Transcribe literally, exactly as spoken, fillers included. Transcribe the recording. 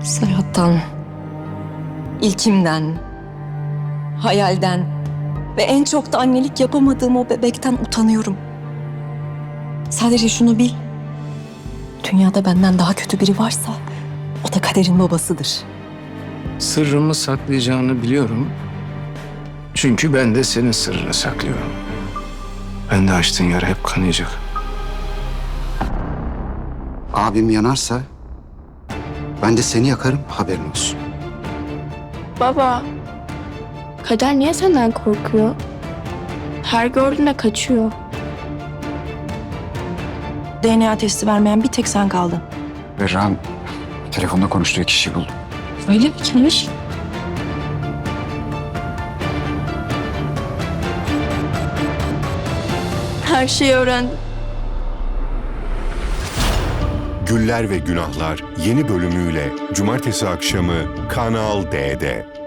Serhat'tan, ilkimden, hayalden ve en çok da annelik yapamadığım o bebekten utanıyorum. Sadece şunu bil. Dünyada benden daha kötü biri varsa o da Kader'in babasıdır. Sırrımı saklayacağını biliyorum. Çünkü ben de senin sırrını saklıyorum. Ben de açtığın yara hep kanayacak. Abim yanarsa ben de seni yakarım, haberin olsun. Baba, Kader niye senden korkuyor? Her gördüğünde kaçıyor. D N A testi vermeyen bir tek sen kaldın. Berra'nın telefonda konuştuğu kişiyi buldum. Öyle mi? Kimmiş? Her şeyi öğrendim. Güller ve Günahlar yeni bölümüyle cumartesi akşamı Kanal D'de.